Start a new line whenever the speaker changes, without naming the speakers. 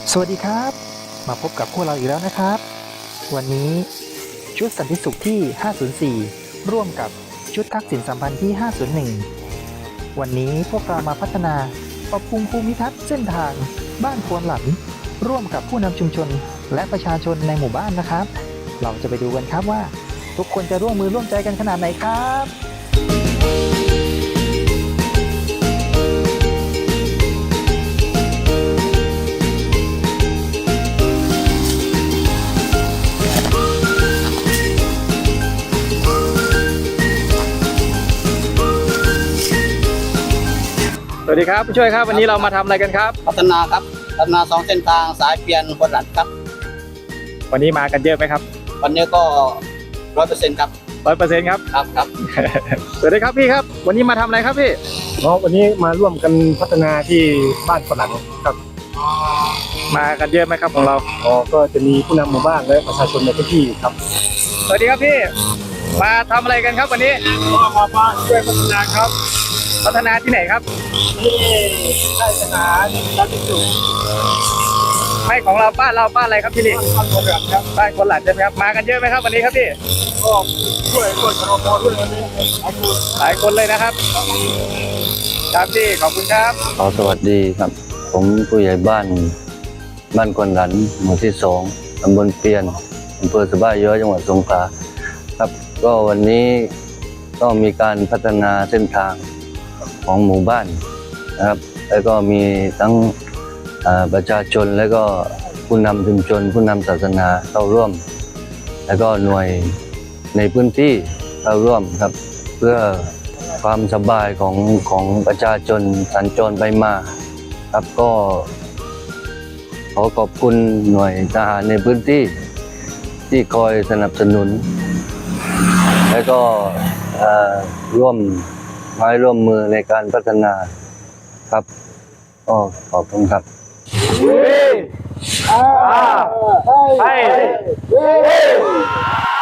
สวัสดีครับมาพบกับพวกเราอีกแล้วนะครับวันนี้ชุดสันติสุขที่ 504 ร่วมกับชุดทักษิณสัมพันธ์ที่ 501 วันนี้พวกเรามาพัฒนาปรับปรุงภูมิทัศน์เส้นทางบ้านควนหลันร่วมกับผู้นำชุมชนและประชาชนในหมู่บ้านนะครับเราจะไปดูกันครับว่าทุกคนจะร่วมมือร่วมใจกันขนาดไหนครับสวัสดีครับผู้ช่วยครับวันนี้เรามาทำอะไรกันครับ
พัฒนาครับพัฒนา2เส้นทางสายเปลี่ยนควนหลันครับ
วันนี้มากันเยอะไหมครับ
วันนี้ก็100%ครับ
100%ครับ
ครับ
สวัสดีครับพี่ครับวันนี้มาทำอะไรครับพี่
วันนี้มาร่วมกันพัฒนาที่บ้านฝรั่งครับ
มากันเยอะไหมครับของเรา
ก็จะมีผู้นำหมู่บ้านและประชาชนในพื้นที่ครับ
สวัสดีครับพี่มาทำอะไรกันครับวันนี้
มาช่วยพัฒนาครับ
พัฒนาที่ไหนครับ
ที่ได้สถานรัฐสุข
ไม่ของเราบ้านอะไรครับที่นี่
บ้านคนหลังครับ
บ้านคนหลังใช่ไหมครับมากันเยอะไหมครับวันนี้ครับพี่
ก็ช่วยชมรมด้วยวันนี้
หลายคนเลยนะครับครับพี่ขอบคุณครับ
สวัสดีครับผมผู้ใหญ่บ้านควนหลันหมู่ที่2ตำบลเปียนอำเภอสะบ้าย้อยจังหวัดสงขลาครับก็วันนี้ก็มีการพัฒนาเส้นทางของหมู่บ้านนะครับแล้วก็มีทั้งประชาชนและก็ผู้นำชุมชนผู้นำศาสนาเข้าร่วมแล้วก็หน่วยในพื้นที่เข้าร่วมครับเพื่อความสบายของประชาชนสัญจรไปมาครับก็ขอขอบคุณหน่วยทหารในพื้นที่ที่คอยสนับสนุนและก็ร่วมไม้ร่วมมือในการพัฒนาครับก็ขอบคุณครับ
ให้